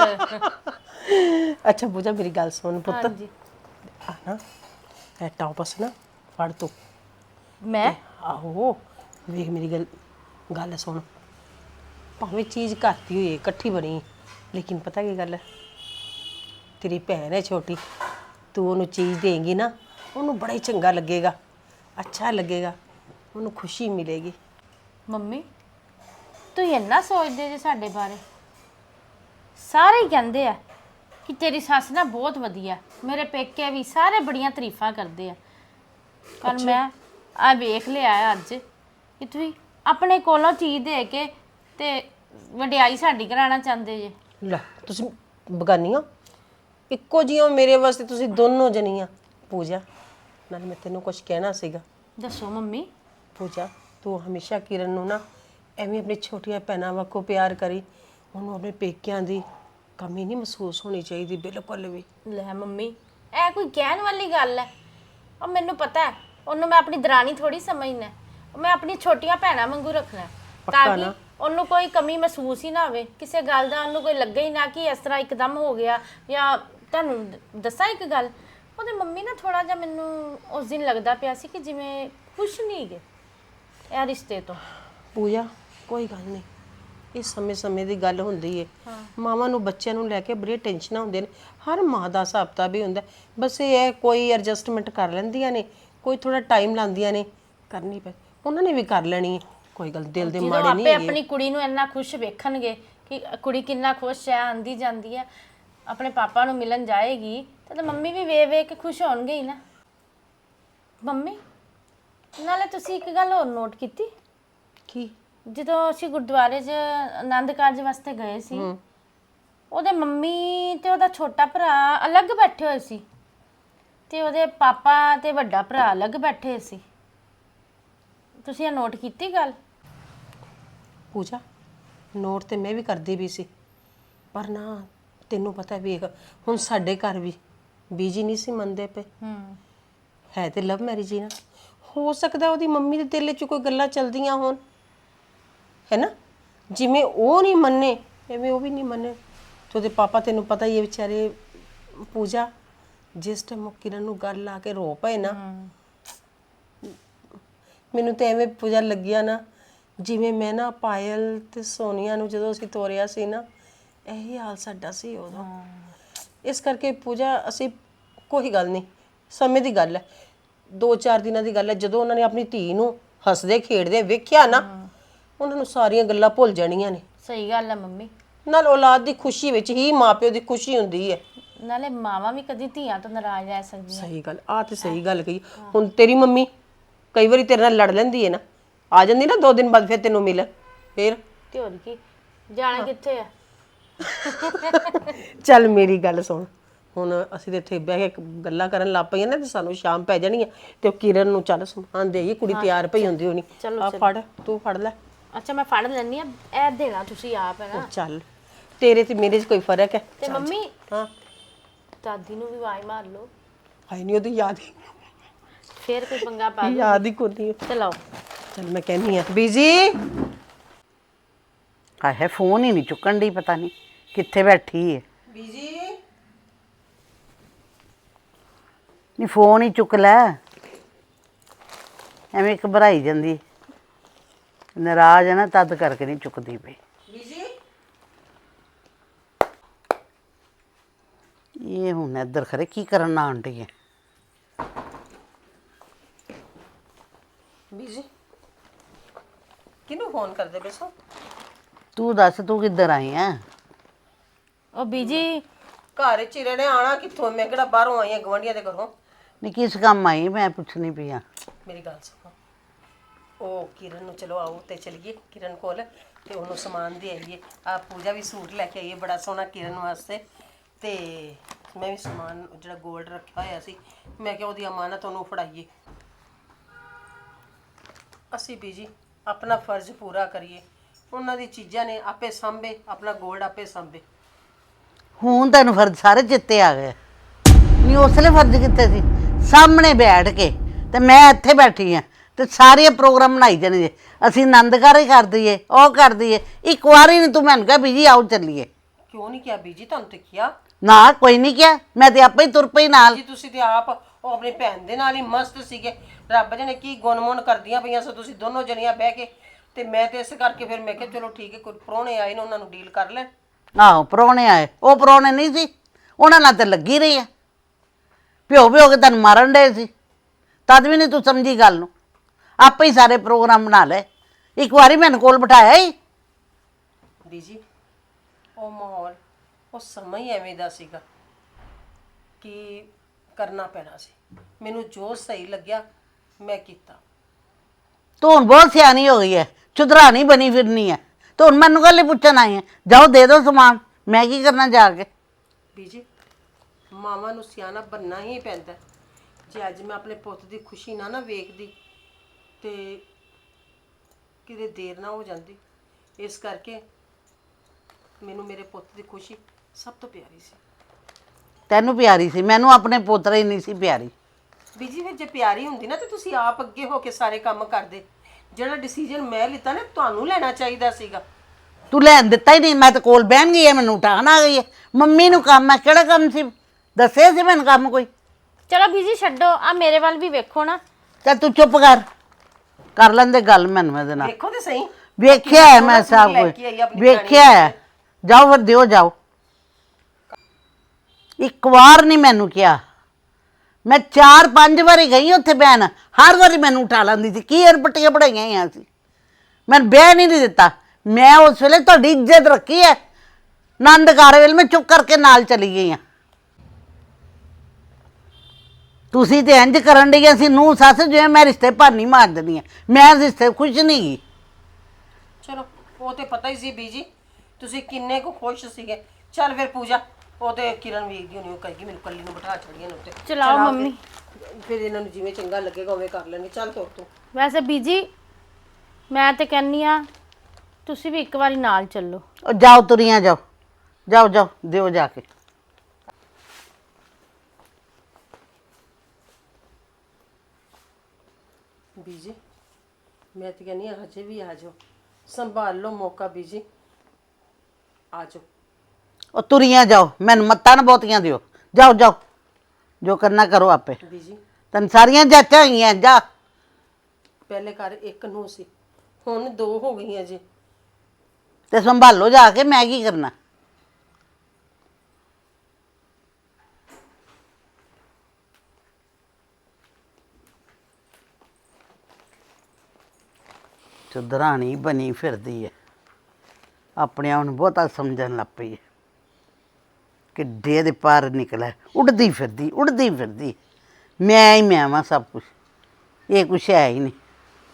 ਅੱਛਾ ਪੂਜਾ, ਮੇਰੀ ਗੱਲ ਸੁਣ ਪੁੱਤ।
ਹਾਂਜੀ
ਆ ਨਾ ਇਹ ਟੌਪਸ ਨਾ ਫੜ ਤੂੰ।
ਮੈਂ
ਆਹੋ ਵੇਖ ਮੇਰੀ ਗੱਲ ਸੁਣ। ਭਾਵੇਂ ਚੀਜ਼ ਘਰ ਦੀ ਹੋਈ ਇਕੱਠੀ ਬਣੀ, ਲੇਕਿਨ ਪਤਾ ਕੀ ਗੱਲ ਹੈ, ਤੇਰੀ ਭੈਣ ਹੈ ਛੋਟੀ, ਤੂੰ ਉਹਨੂੰ ਚੀਜ਼ ਦੇਂਗੀ ਨਾ, ਉਹਨੂੰ ਬੜਾ ਹੀ ਚੰਗਾ ਲੱਗੇਗਾ, ਅੱਛਾ ਲੱਗੇਗਾ, ਉਹਨੂੰ ਖੁਸ਼ੀ ਮਿਲੇਗੀ।
ਮੰਮੀ ਤੁਸੀਂ ਇੰਨਾ ਸੋਚਦੇ ਜੇ ਸਾਡੇ ਬਾਰੇ? ਸਾਰੇ ਹੀ ਕਹਿੰਦੇ ਆ ਕਿ ਤੇਰੀ ਸੱਸ ਨਾ ਬਹੁਤ ਵਧੀਆ, ਮੇਰੇ ਪੇਕੇ ਵੀ ਸਾਰੇ ਬੜੀਆਂ ਤਾਰੀਫਾਂ ਕਰਦੇ ਆ। ਪਰ ਮੈਂ ਆ ਵੇਖ ਲਿਆ ਅੱਜ ਕਿ ਤੁਸੀਂ ਆਪਣੇ ਕੋਲੋਂ ਚੀਜ਼ ਦੇ ਕੇ ਤੇ ਵਡਿਆਈ ਸਾਡੀ ਕਰਾਉਣਾ ਚਾਹੁੰਦੇ ਜੇ।
ਲੈ ਤੁਸੀਂ ਬਗਾਨੀਆਂ ਇੱਕੋ ਜਿਹੀਆਂ ਮੇਰੇ ਵਾਸਤੇ, ਤੁਸੀਂ ਦੋਨੋਂ ਜਣੀਆਂ। ਪੂਜਾ ਨਾਲ ਮੈਂ ਤੈਨੂੰ ਕੁਝ ਕਹਿਣਾ ਸੀਗਾ।
ਦੱਸੋ ਮੰਮੀ।
ਪੂਜਾ ਤੂੰ ਹਮੇਸ਼ਾ ਕਿਰਨ ਨੂੰ ਨਾ ਐਵੇਂ ਆਪਣੀ ਛੋਟੀਆਂ ਭੈਣਾਂ ਵਾਂਗੂ ਪਿਆਰ ਕਰੀ। ਉਹਨੂੰ ਆਪਣੇ ਪੇਕਿਆਂ ਦੀ ਕਮੀ ਨਹੀਂ ਮਹਿਸੂਸ ਹੋਣੀ ਚਾਹੀਦੀ ਬਿਲਕੁਲ ਵੀ।
ਲੈ ਮੰਮੀ, ਇਹ ਕੋਈ ਕਹਿਣ ਵਾਲੀ ਗੱਲ ਹੈ? ਉਹ ਮੈਨੂੰ ਪਤਾ ਹੈ, ਉਹਨੂੰ ਮੈਂ ਆਪਣੀ ਦਰਾਣੀ ਥੋੜੀ ਸਮਝਣਾ, ਮੈਂ ਆਪਣੀ ਛੋਟੀਆਂ ਭੈਣਾਂ ਵਾਂਗੂ ਰੱਖਣਾ, ਤਾਂ ਕਿ ਉਹਨੂੰ ਕੋਈ ਕਮੀ ਮਹਿਸੂਸ ਹੀ ਨਾ ਹੋਵੇ, ਕਿਸੇ ਗੱਲ ਦਾ ਉਹਨੂੰ ਕੋਈ ਲੱਗੇ ਹੀ ਨਾ ਕਿ ਇਸ ਤਰ੍ਹਾਂ ਇੱਕਦਮ ਹੋ ਗਿਆ। ਜਾਂ ਤੁਹਾਨੂੰ ਦੱਸਾਂ ਇੱਕ ਗੱਲ, ਉਹਦੇ ਮੰਮੀ ਨਾ ਥੋੜਾ ਜਿਹਾ ਮੈਨੂੰ ਉਸ ਦਿਨ ਲੱਗਦਾ ਪਿਆ ਸੀ ਕਿ ਜਿਵੇਂ ਖੁਸ਼ ਨਹੀਂ ਗਏ ਇਹ ਰਿਸ਼ਤੇ ਤੋਂ।
ਪੂਜਾ ਕੋਈ ਗੱਲ ਨਹੀਂ, ਇਹ ਸਮੇਂ ਦੀ ਗੱਲ ਹੁੰਦੀ ਏ। ਮਾਵਾਂ ਨੂੰ ਬੱਚਿਆਂ ਨੂੰ ਲੈ ਕੇ ਬੜੀ ਟੈਨਸ਼ਨਾਂ ਹੁੰਦੀਆਂ ਨੇ, ਹਰ ਮਾਂ ਦਾ ਹਿਸਾਬ ਤਾਂ ਵੀ ਹੁੰਦਾ। ਬਸ ਇਹ ਹੈ ਕੋਈ ਐਡਜਸਟਮੈਂਟ ਕਰ ਲੈਂਦੀਆਂ ਨੇ, ਕੋਈ ਥੋੜਾ ਟਾਈਮ ਲਾਉਂਦੀਆਂ ਨੇ, ਕਰਨੀ ਪੈ ਉਹਨਾਂ ਨੇ ਵੀ ਕਰ ਲੈਣੀ ਹੈ। ਕੋਈ ਗੱਲ ਦਿਲ ਦੇ ਮਾੜੇ ਨਹੀਂ
ਹੈਗੇ। ਆਪਣੀ ਕੁੜੀ ਨੂੰ ਇੰਨਾ ਖੁਸ਼ ਵੇਖਣਗੇ ਕਿ ਕੁੜੀ ਕਿੰਨਾ ਖੁਸ਼ ਹੈ, ਆਂਦੀ ਜਾਂਦੀ ਹੈ, ਆਪਣੇ ਪਾਪਾ ਨੂੰ ਮਿਲਣ ਜਾਏਗੀ, ਤਾਂ ਮੰਮੀ ਵੀ ਵੇਖ ਕੇ ਖੁਸ਼ ਹੋਣਗੇ ਹੀ ਨਾ। ਮੰਮੀ ਨਾਲੇ ਤੁਸੀਂ ਇੱਕ ਗੱਲ ਹੋਰ ਨੋਟ ਕੀਤੀ?
ਕੀ?
ਜਦੋਂ ਅਸੀਂ ਗੁਰਦੁਆਰੇ 'ਚ ਆਨੰਦ ਕਾਰਜ ਵਾਸਤੇ ਗਏ ਸੀ, ਉਹਦੇ ਮੰਮੀ ਤੇ ਉਹਦਾ ਛੋਟਾ ਭਰਾ ਅਲੱਗ ਬੈਠੇ ਹੋਏ ਸੀ ਤੇ ਉਹਦੇ ਪਾਪਾ ਤੇ ਵੱਡਾ ਭਰਾ ਅਲੱਗ ਬੈਠੇ ਸੀ। ਤੁਸੀਂ ਇਹ ਨੋਟ ਕੀਤੀ ਗੱਲ?
ਪੂਜਾ ਨੋਟ ਤੇ ਮੈਂ ਵੀ ਕਰਦੀ ਵੀ ਸੀ, ਪਰ ਨਾ ਤੈਨੂੰ ਪਤਾ ਵੇਖ ਹੁਣ ਸਾਡੇ ਘਰ ਵੀ ਬੀਜੀ ਨਹੀਂ ਸੀ ਮੰਨਦੇ ਪਏ। ਹੈ ਤੇ ਲਵ ਮੈਰਿਜ ਹੀ ਨਾ, ਹੋ ਸਕਦਾ ਉਹਦੀ ਮੰਮੀ ਦੇ ਦਿਲ 'ਚ ਕੋਈ ਗੱਲਾਂ ਚੱਲਦੀਆਂ ਹੋਣ, ਹੈ ਨਾ। ਜਿਵੇਂ ਉਹ ਨਹੀਂ ਮੰਨੇ ਐਵੇਂ ਉਹ ਵੀ ਨਹੀਂ ਮੰਨੇ। ਤੇ ਉਹਦੇ ਪਾਪਾ ਤੈਨੂੰ ਪਤਾ ਹੀ ਹੈ ਵਿਚਾਰੇ। ਪੂਜਾ ਜਿਸ ਟਾਈਮ ਉਹ ਕਿਰਨ ਨੂੰ ਗੱਲ ਲਾ ਕੇ ਰੋ ਪਏ ਨਾ, ਮੈਨੂੰ ਤੇ ਐਵੇਂ ਪੂਜਾ ਲੱਗਿਆ ਨਾ ਜਿਵੇਂ ਮੈਂ ਨਾ ਪਾਇਲ ਤੇ ਸੋਨੀਆ ਨੂੰ ਜਦੋਂ ਅਸੀਂ ਤੋਰਿਆ ਸੀ ਨਾ, ਇਹੀ ਹਾਲ ਸਾਡਾ ਸੀ ਉਦੋਂ। ਇਸ ਕਰਕੇ ਪੂਜਾ ਅਸੀਂ ਕੋਈ ਗੱਲ ਨਹੀਂ, ਸਮੇਂ ਦੀ ਗੱਲ ਹੈ, 2-4 ਦਿਨਾਂ ਦੀ ਗੱਲ ਹੈ। ਜਦੋਂ ਉਹਨਾਂ ਨੇ ਆਪਣੀ ਧੀ ਨੂੰ ਹੱਸਦੇ ਖੇਡਦੇ ਵੇਖਿਆ ਨਾ, ਉਹਨਾਂ ਨੂੰ ਸਾਰੀਆਂ ਗੱਲਾਂ ਭੁੱਲ ਜਾਣੀਆਂ ਨੇ।
ਸਹੀ ਗੱਲ ਹੈ ਮੰਮੀ।
ਨਾਲ ਔਲਾਦ ਦੀ ਖੁਸ਼ੀ ਵਿੱਚ ਹੀ ਮਾਪਿਓ ਦੀ ਖੁਸ਼ੀ ਹੁੰਦੀ ਹੈ।
ਨਾਲੇ ਮਾਵਾਂ ਵੀ ਕਦੀ ਧੀਆਂ ਤੋਂ ਨਾਰਾਜ਼ ਰਹਿ ਸਕਦੀਆਂ।
ਸਹੀ ਗੱਲ, ਆ ਤੇ ਸਹੀ ਗੱਲ ਕਹੀ। ਹੁਣ ਤੇਰੀ ਮੰਮੀ ਕਈ ਵਾਰੀ ਤੇਰੇ ਨਾਲ ਲੜ ਲੈਂਦੀ ਹੈ ਨਾ, ਆ ਜਾਂਦੀ ਨਾ 2 ਦਿਨ ਬਾਅਦ ਫਿਰ ਤੈਨੂੰ ਮਿਲਣ, ਫਿਰ
ਤੇ ਹੋਰ ਕੀ, ਜਾਣਾ ਕਿੱਥੇ ਆ।
ਚੱਲ ਮੇਰੀ ਗੱਲ ਸੁਣ, ਹੁਣ ਅਸੀਂ ਤੇ ਇੱਥੇ ਬਹਿ ਕੇ ਗੱਲਾਂ ਕਰਨ ਲੱਗ ਪਈਆਂ ਨਾ ਤੇ ਸਾਨੂੰ ਸ਼ਾਮ ਪੈ ਜਾਣੀ ਹੈ। ਤੇ ਉਹ ਕਿਰਨ ਨੂੰ ਚੱਲ ਸਮਾਨ ਦੇਗੀ, ਕੁੜੀ ਤਿਆਰ ਪਈ ਹੁੰਦੀ ਹੋਣੀ। ਆ ਫੜ, ਤੂੰ ਫੜ ਲੈ।
ਅੱਛਾ ਮੈਂ ਫੜ ਲੈਣੀ ਆ, ਇਹ ਦੇਣਾ ਤੁਸੀਂ ਆਪ ਹੈ ਨਾ।
ਚੱਲ ਤੇਰੇ ਤੇ ਮੇਰੇ 'ਚ ਕੋਈ ਫਰਕ ਹੈ?
ਤੇ ਮੰਮੀ
ਹਾਂ
ਦਾਦੀ ਨੂੰ ਵੀ ਆਵਾਜ਼ ਮਾਰ ਲਓ,
ਹਾਈ ਨਹੀਂ ਉਹਦੀ ਯਾਦ ਹੀ
ਫੇਰ ਕੋਈ ਪੰਗਾ ਪਾ ਦੋ।
ਯਾਦ ਹੀ ਕੋਈ ਨਹੀਂ।
ਚਲਾਓ।
ਚੱਲ ਮੈਂ ਕਹਿੰਦੀ ਆ ਬੀਜੀ।
ਆਹੇ ਫੋਨ ਹੀ ਨਹੀਂ ਚੁੱਕਣ ਦੀ, ਪਤਾ ਨਹੀਂ ਕਿੱਥੇ ਬੈਠੀ ਹੈ।
ਬੀਜੀ
ਨਹੀਂ ਫੋਨ ਹੀ ਚੁੱਕ ਲੈ, ਐਵੇਂ ਘਬਰਾਈ ਜਾਂਦੀ। ਨਾਰਾਜ਼ ਹੈ ਨਾ ਤਦ ਕਰਕੇ ਨਹੀਂ ਚੁੱਕਦੀ ਪਈ।
ਬੀਜੀ
ਇਹ ਹੁਣ ਇੱਧਰ ਖਰੇ ਕੀ ਕਰਨ ਆਉਣ ਡਈ ਹੈ।
ਬੀਜੀ ਕਿਹਨੂੰ ਫੋਨ ਕਰਦੇ ਬੇਸੋ?
ਤੂੰ ਦੱਸ ਤੂੰ ਕਿੱਧਰ ਆਈ ਹੈ?
ਉਹ ਬੀਜੀ
ਘਰ ਚ ਹੀ ਰਹਿਣੇ, ਆਣਾ ਕਿੱਥੋਂ? ਮੈਂ ਕਿਹੜਾ ਬਾਹਰੋਂ ਆਈ ਆ ਗਵਾਂਢੀਆਂ ਦੇ ਘਰੋਂ।
ਨਹੀਂ ਕਿਸ ਕੰਮ ਆਈ ਮੈਂ ਪੁੱਛਣੀ ਪਈ ਆ।
ਮੇਰੀ ਗੱਲ ਸੁਣੋ, ਉਹ ਕਿਰਨ ਨੂੰ ਚਲੋ ਆਓ ਤੇ ਚਲੀਏ ਕਿਰਨ ਕੋਲ ਤੇ ਉਹਨੂੰ ਸਮਾਨ ਦੇ ਆਈਏ। ਆ ਪੂਜਾ ਵੀ ਸੂਟ ਲੈ ਕੇ ਆਈਏ ਬੜਾ ਸੋਹਣਾ ਕਿਰਨ ਵਾਸਤੇ, ਤੇ ਮੈਂ ਵੀ ਸਮਾਨ ਜਿਹੜਾ 골ਡ ਰੱਖਿਆ ਹੋਇਆ ਸੀ ਮੈਂ ਕਿਹਾ ਉਹਦੀ ਅਮਾਨਤ ਉਹਨੂੰ ਫੜਾਈਏ। ਅਸੀਂ ਬੀਜੀ ਆਪਣਾ ਫਰਜ਼ ਪੂਰਾ ਕਰੀਏ। ਉਹਨਾਂ ਦੀ ਚੀਜ਼ਾਂ ਨੇ ਆਪੇ ਸਾਂਭੇ, ਆਪਣਾ 골ਡ ਆਪੇ ਸਾਂਭੇ।
ਹੁਣ ਤੈਨੂੰ ਫਰਜ਼ ਸਾਰੇ ਚਿੱਤੇ ਆ ਗਏ। ਨਹੀਂ ਉਸਲੇ ਫਰਜ਼ ਕਿੱਥੇ ਸੀ? ਸਾਹਮਣੇ ਬੈਠ ਕੇ ਤੇ ਮੈਂ ਇੱਥੇ ਬੈਠੀ ਆ ਤੇ ਸਾਰੇ ਪ੍ਰੋਗਰਾਮ ਬਣਾਈ ਜਾਣੇ ਜੇ। ਅਸੀਂ ਆਨੰਦਕਾਰ ਹੀ ਕਰ ਦਈਏ, ਉਹ ਕਰ ਦਈਏ। ਇੱਕ ਵਾਰੀ ਨਹੀਂ ਤੂੰ ਮੈਨੂੰ ਕਿਹਾ ਬੀਜੀ ਆਓ ਚੱਲੀਏ।
ਕਿਉਂ ਨਹੀਂ ਕਿਹਾ ਬੀਜੀ? ਤੁਹਾਨੂੰ ਤੇ ਕਿਹਾ
ਨਾ ਕੋਈ ਨਹੀਂ ਕਿਹਾ, ਮੈਂ ਤੇ ਆਪੇ ਹੀ ਤੁਰ ਪਈ ਨਾਲ।
ਜੀ ਤੁਸੀਂ ਤੇ ਆਪ ਉਹ ਆਪਣੀ ਭੈਣ ਦੇ ਨਾਲ ਹੀ ਮਸਤ ਸੀਗੇ। ਰੱਬ ਜਣੇ ਕੀ ਗੁਣਮੁਣ ਕਰਦੀਆਂ ਪਈਆਂ ਸੋ ਤੁਸੀਂ ਦੋਨੋਂ ਜਣੀਆਂ ਬਹਿ ਕੇ। ਤੇ ਮੈਂ ਤੇ ਇਸ ਕਰਕੇ ਫਿਰ ਮੈਂ ਕਿਹਾ ਚਲੋ ਠੀਕ ਹੈ, ਕੋਈ ਪ੍ਰਾਹੁਣੇ ਆਏ ਨੇ ਉਹਨਾਂ ਨੂੰ ਡੀਲ ਕਰ ਲੈ।
ਆਹੋ ਪ੍ਰਾਹੁਣੇ ਆਏ, ਉਹ ਪ੍ਰਾਹੁਣੇ ਨਹੀਂ ਸੀ, ਉਹਨਾਂ ਨਾਲ ਤੇ ਲੱਗੀ ਰਹੀ ਆ। ਪਿਓ ਕੇ ਤੈਨੂੰ ਮਾਰਨ ਡਏ ਸੀ, ਤਦ ਵੀ ਨਹੀਂ ਤੂੰ ਸਮਝੀ ਗੱਲ ਨੂੰ। ਆਪੇ ਹੀ ਸਾਰੇ ਪ੍ਰੋਗਰਾਮ ਬਣਾ ਲਏ। ਇੱਕ ਵਾਰੀ ਮੈਨੂੰ ਕੋਲ ਬਿਠਾਇਆ ਹੀ।
ਬੀਜੀ ਉਹ ਮਾਹੌਲ, ਉਹ ਸਮਾਂ ਹੀ ਐਵੇਂ ਦਾ ਸੀਗਾ ਕਿ ਕਰਨਾ ਪੈਣਾ ਸੀ। ਮੈਨੂੰ ਜੋ ਸਹੀ ਲੱਗਿਆ ਮੈਂ ਕੀਤਾ।
ਤੂੰ ਹੁਣ ਬਹੁਤ ਸਿਆਣੀ ਹੋ ਗਈ ਹੈ, ਚੁਦਰਾਣੀ ਬਣੀ ਫਿਰਨੀ ਹੈ। ਤੂੰ ਹੁਣ ਮੈਨੂੰ ਗੱਲ ਹੀ ਪੁੱਛਣ ਆਈ ਹੈ? ਜਾਓ ਦੇ ਦਿਓ ਸਮਾਨ, ਮੈਂ ਕੀ ਕਰਨਾ ਜਾ ਕੇ।
ਬੀਜੀ ਮਾਵਾਂ ਨੂੰ ਸਿਆਣਾ ਬਣਨਾ ਹੀ ਪੈਂਦਾ। ਜੇ ਅੱਜ ਮੈਂ ਆਪਣੇ ਪੁੱਤ ਦੀ ਖੁਸ਼ੀ ਨਾ ਵੇਖਦੀ ਤੇ ਕਿਤੇ ਦੇਰ ਨਾ ਹੋ ਜਾਂਦੀ। ਇਸ ਕਰਕੇ ਮੈਨੂੰ ਮੇਰੇ ਪੁੱਤ ਦੀ ਖੁਸ਼ੀ ਸਭ ਤੋਂ ਪਿਆਰੀ ਸੀ।
ਤੈਨੂੰ ਪਿਆਰੀ ਸੀ, ਮੈਨੂੰ ਆਪਣੇ ਪੋਤਰੇ ਹੀ ਨਹੀਂ ਸੀ ਪਿਆਰੀ।
ਬੀਜੀ ਫਿਰ ਜੇ ਪਿਆਰੀ ਹੁੰਦੀ ਨਾ ਤੇ ਤੁਸੀਂ ਆਪ ਅੱਗੇ ਹੋ ਕੇ ਸਾਰੇ ਕੰਮ ਕਰਦੇ। ਜਿਹੜਾ ਡਿਸੀਜਨ ਮੈਂ ਲਿੱਤਾ ਨਾ ਤੁਹਾਨੂੰ ਲੈਣਾ ਚਾਹੀਦਾ ਸੀਗਾ।
ਤੂੰ ਲੈਣ ਦਿੱਤਾ ਹੀ ਨਹੀਂ। ਮੈਂ ਤਾਂ ਕੋਲ ਬਹਿਣ ਗਈ ਹੈ, ਮੈਨੂੰ ਉਠਾਣ ਆ ਗਈ ਹੈ। ਮੰਮੀ ਨੂੰ ਕੰਮ ਹੈ, ਕਿਹੜਾ ਕੰਮ ਸੀ? ਦੱਸਿਆ ਸੀ ਮੈਨੂੰ ਕੰਮ ਕੋਈ?
ਚਲੋ ਬੀਜੀ ਛੱਡੋ, ਆ ਮੇਰੇ ਵੱਲ ਵੀ ਵੇਖੋ ਨਾ।
ਚੱਲ ਤੂੰ ਚੁੱਪ ਕਰ ਲੈਂਦੇ ਗੱਲ ਮੈਨੂੰ ਇਹਦੇ ਨਾਲ।
ਦੇਖੋ ਤੇ ਸਹੀ,
ਵੇਖਿਆ ਹੈ ਮੈਂ ਸਭ ਕੁਝ ਵੇਖਿਆ ਹੈ। ਜਾਓ ਫਿਰ ਦਿਓ ਜਾਓ। ਇੱਕ ਵਾਰ ਨਹੀਂ ਮੈਨੂੰ ਕਿਹਾ। ਮੈਂ 4-5 ਵਾਰੀ ਗਈ ਉੱਥੇ ਬਹਿਣ, ਹਰ ਵਾਰੀ ਮੈਨੂੰ ਉਠਾ ਲੈਂਦੀ ਸੀ। ਕੀ ਅਰਪਟੀਆਂ ਪੜਾਈਆਂ ਹੋਈਆਂ ਸੀ, ਮੈਨੂੰ ਬਹਿ ਨਹੀਂ ਦਿੱਤਾ। ਮੈਂ ਉਸ ਵੇਲੇ ਤੁਹਾਡੀ ਇੱਜ਼ਤ ਰੱਖੀ ਹੈ। ਆਨੰਦਕਾਰ ਵੇਲੇ ਮੈਂ ਚੁੱਪ ਕਰਕੇ ਨਾਲ ਚਲੀ ਗਈ ਹਾਂ। ਤੁਸੀਂ ਤੇ ਇੰਜ ਕਰਨ ਡਈਆਂ ਸੀ ਨੂੰਹ ਸੱਸ, ਜਿਵੇਂ ਮੈਂ ਰਿਸ਼ਤੇ ਭਾਨੀ ਮਾਰ ਦਿੰਦੀ ਹਾਂ। ਮੈਂ ਰਿਸ਼ਤੇ ਖੁਸ਼ ਨਹੀਂ ਗਈ।
ਚਲੋ ਉਹ ਤੇ ਪਤਾ ਹੀ ਸੀ ਬੀਜੀ ਤੁਸੀਂ ਕਿੰਨੇ ਕੁ ਖੁਸ਼ ਸੀਗੇ। ਚੱਲ ਫਿਰ ਪੂਜਾ, ਉਹ ਤੇ ਕਿਰਨ ਵੇਖਦੀ ਹੋਣੀ, ਉਹ ਕਹੇਗੀ ਮੈਨੂੰ ਕੱਲੀ ਨੂੰ ਬਿਠਾ ਛੜੀਆਂ ਨੇ ਉੱਤੇ।
ਚਲਾਓ ਮੰਮੀ।
ਫਿਰ ਇਹਨਾਂ ਨੂੰ ਜਿਵੇਂ ਚੰਗਾ ਲੱਗੇਗਾ ਉਵੇਂ ਕਰ ਲੈਣਗੇ। ਚੱਲ ਤੁਰ ਤੂੰ।
ਵੈਸੇ ਬੀਜੀ ਮੈਂ ਤੇ ਕਹਿੰਨੀ ਆ ਤੁਸੀਂ ਵੀ ਇੱਕ ਵਾਰੀ ਨਾਲ ਚੱਲੋ।
ਉਹ ਜਾਓ ਤੁਰੀਆਂ ਜਾਓ, ਜਾਓ ਜਾਓ ਦਿਓ ਜਾ ਕੇ।
ਬੀਜੀ ਮੈਂ ਤੇ ਕਹਿੰਦੀ ਹਾਂ ਹਜੇ ਵੀ ਆ ਜਾਓ, ਸੰਭਾਲ ਲਓ ਮੌਕਾ ਬੀਜੀ, ਆ ਜਾਓ।
ਉਹ ਤੁਰੀਆਂ ਜਾਓ, ਮੈਨੂੰ ਮੱਤਾਂ ਨਾ ਬਹੁਤੀਆਂ ਦਿਓ। ਜਾਓ ਜਾਓ, ਜੋ ਕਰਨਾ ਕਰੋ ਆਪੇ।
ਬੀਜੀ
ਤੈਨੂੰ ਸਾਰੀਆਂ ਜਾਚਾਂ ਹੋਈਆਂ। ਜਾ।
ਪਹਿਲੇ ਘਰ ਇੱਕ ਨੂੰ ਸੀ, ਹੁਣ 2 ਹੋ ਗਈਆਂ ਜੀ।
ਤੇ ਸੰਭਾਲੋ ਜਾ ਕੇ, ਮੈਂ ਕੀ ਕਰਨਾ। ਚੁਦਰਾਣੀ ਬਣੀ ਫਿਰਦੀ ਹੈ, ਆਪਣੇ ਆਪ ਨੂੰ ਬਹੁਤਾ ਸਮਝਣ ਲੱਗ ਪਈ ਹੈ। ਕਿੱਡੇ ਦੇ ਪਾਰ ਨਿਕਲਿਆ, ਉੱਡਦੀ ਫਿਰਦੀ। ਮੈਂ ਹੀ ਮੈਂ ਵਾਂ ਸਭ ਕੁਛ, ਇਹ ਕੁਛ ਹੈ ਹੀ ਨਹੀਂ।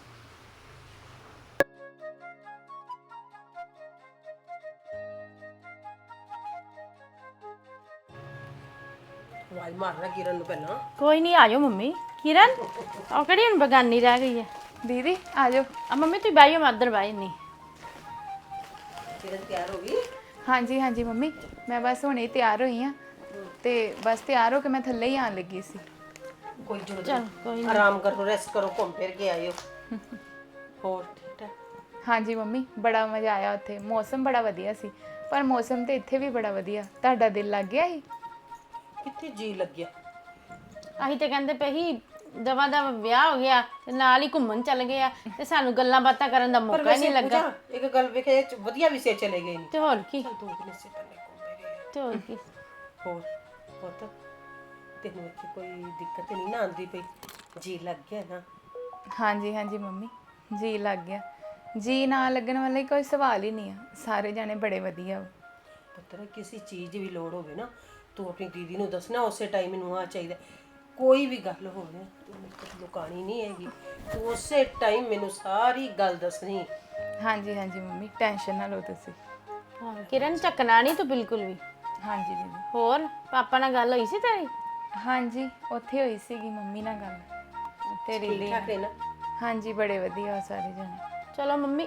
ਆਵਾਜ਼ ਮਾਰਨਾ ਕਿਰਨ ਨੂੰ ਪਹਿਲਾਂ।
ਕੋਈ ਨਹੀਂ, ਆ ਜਾਓ ਮੰਮੀ। ਕਿਰਨ ਉਹ ਕਿਹੜੀ ਹੁਣ ਬਗਾਨੀ ਰਹਿ ਗਈ ਹੈ?
ਦੀਦੀ ਆ ਜਾਓ।
ਆ ਮੰਮੀ ਤੁਸੀਂ ਬਹਿ ਜਾਓ, ਮੈਂ ਉੱਧਰ ਬਹਿ ਨਹੀਂ।
ਕਿਰਨ ਤਿਆਰ ਹੋ ਗਈ?
ਹਾਂਜੀ ਹਾਂਜੀ ਮੰਮੀ, ਮੈਂ ਬਸ ਹੁਣੇ ਹੀ ਤਿਆਰ ਹੋਈ ਆ ਤੇ ਬਸ ਤਿਆਰ ਹੋ ਕੇ ਮੈਂ ਥੱਲੇ ਹੀ ਆਣ ਲੱਗੀ ਸੀ।
ਕੋਈ ਜ਼ਰੂਰਤ
ਚਲ ਕੋਈ
ਨਹੀਂ, ਆਰਾਮ ਕਰੋ, ਰੈਸਟ ਕਰੋ, ਘੁੰਮ ਫਿਰ ਕੇ ਆਇਓ। ਹੋਰ ਠੀਕ ਹੈ?
ਹਾਂਜੀ ਮੰਮੀ, ਬੜਾ ਮਜ਼ਾ ਆਇਆ ਉੱਥੇ। ਮੌਸਮ ਬੜਾ ਵਧੀਆ ਸੀ, ਪਰ ਮੌਸਮ ਤੇ ਇੱਥੇ ਵੀ ਬੜਾ ਵਧੀਆ। ਤੁਹਾਡਾ ਦਿਲ ਲੱਗ ਗਿਆ ਸੀ?
ਕਿੱਥੇ ਜੀ ਲੱਗਿਆ?
ਅਸੀਂ ਤੇ ਕਹਿੰਦੇ ਪਏ ਸੀ ਦਵਾ ਦਾ ਵਿਆਹ ਹੋ ਗਿਆ ਤੇ ਨਾਲ ਹੀ ਘੁੰਮਣ ਚੱਲ ਗਏ ਆ ਤੇ ਸਾਨੂੰ ਗੱਲਾਂ ਬਾਤਾਂ ਕਰਨ ਦਾ ਮੌਕਾ ਹੀ ਨਹੀਂ ਲੱਗਾ।
ਪੂਜਾ, ਇੱਕ ਗੱਲ ਵੇਖੇ ਵਧੀਆ ਵੀ ਸੇ ਚਲੇ ਗਏ ਨੇ।
ਤੇ ਹੋਰ ਕੀ,
ਦੋ ਦਿਨ ਇਸੇ ਬੰਨੇ ਘੁੰਮੇ ਗਏ।
ਤੇ ਹੋਰ ਕੀ।
ਹੋਰ ਪੁੱਤ ਤੈਨੂੰ ਇੱਥੇ ਕੋਈ ਦਿੱਕਤ ਨਹੀਂ ਨਾ ਆਉਂਦੀ ਪਈ? ਜੀ ਲੱਗ ਗਿਆ ਨਾ?
ਹਾਂਜੀ ਹਾਂਜੀ ਮੰਮੀ, ਜੀ ਲੱਗ ਗਿਆ। ਜੀ ਨਾ ਲੱਗਣ ਵਾਲਾ ਹੀ ਕੋਈ ਸਵਾਲ ਹੀ ਨਹੀਂ ਆ। ਸਾਰੇ ਜਾਣੇ ਬੜੇ ਵਧੀਆ ਵਾ।
ਪੁੱਤਰ ਕਿਸੇ ਚੀਜ਼ ਦੀ ਵੀ ਲੋੜ ਹੋਵੇ ਨਾ ਤੂੰ ਆਪਣੀ ਦੀਦੀ ਨੂੰ ਦੱਸਣਾ, ਉਸੇ ਟਾਈਮ ਮੈਨੂੰ ਆ ਚਾਹੀਦਾ। ਕੋਈ ਵੀ ਗੱਲ ਹੋਵੇ ਤੂੰ ਮੇਰੇ ਕੋਲ ਲੁਕਾਣੀ ਨਹੀਂ ਹੈਗੀ, ਤੂੰ ਉਸੇ ਟਾਈਮ ਮੈਨੂੰ ਸਾਰੀ ਗੱਲ ਦੱਸਣੀ।
ਹਾਂਜੀ ਹਾਂਜੀ ਮੰਮੀ, ਟੈਨਸ਼ਨ ਨਾ ਲਓ ਤੁਸੀਂ।
ਹਾਂ ਕਿਰਨ, ਚੱਕਣਾ ਨਹੀਂ ਤੂੰ ਬਿਲਕੁਲ ਵੀ।
ਹਾਂਜੀ ਦੀਦੀ।
ਹੋਰ ਪਾਪਾ ਨਾਲ ਗੱਲ ਹੋਈ ਸੀ ਤੇਰੀ?
ਹਾਂਜੀ ਉੱਥੇ ਹੋਈ ਸੀਗੀ ਮੰਮੀ ਨਾਲ ਗੱਲ ਤੇਰੀ
ਠੀਕ
ਲਈ।
ਠਾਕ ਹੈ ਨਾ?
ਹਾਂਜੀ ਬੜੇ ਵਧੀਆ ਵਾ ਸਾਰੇ ਜਾਣੇ।
ਚਲੋ ਮੰਮੀ।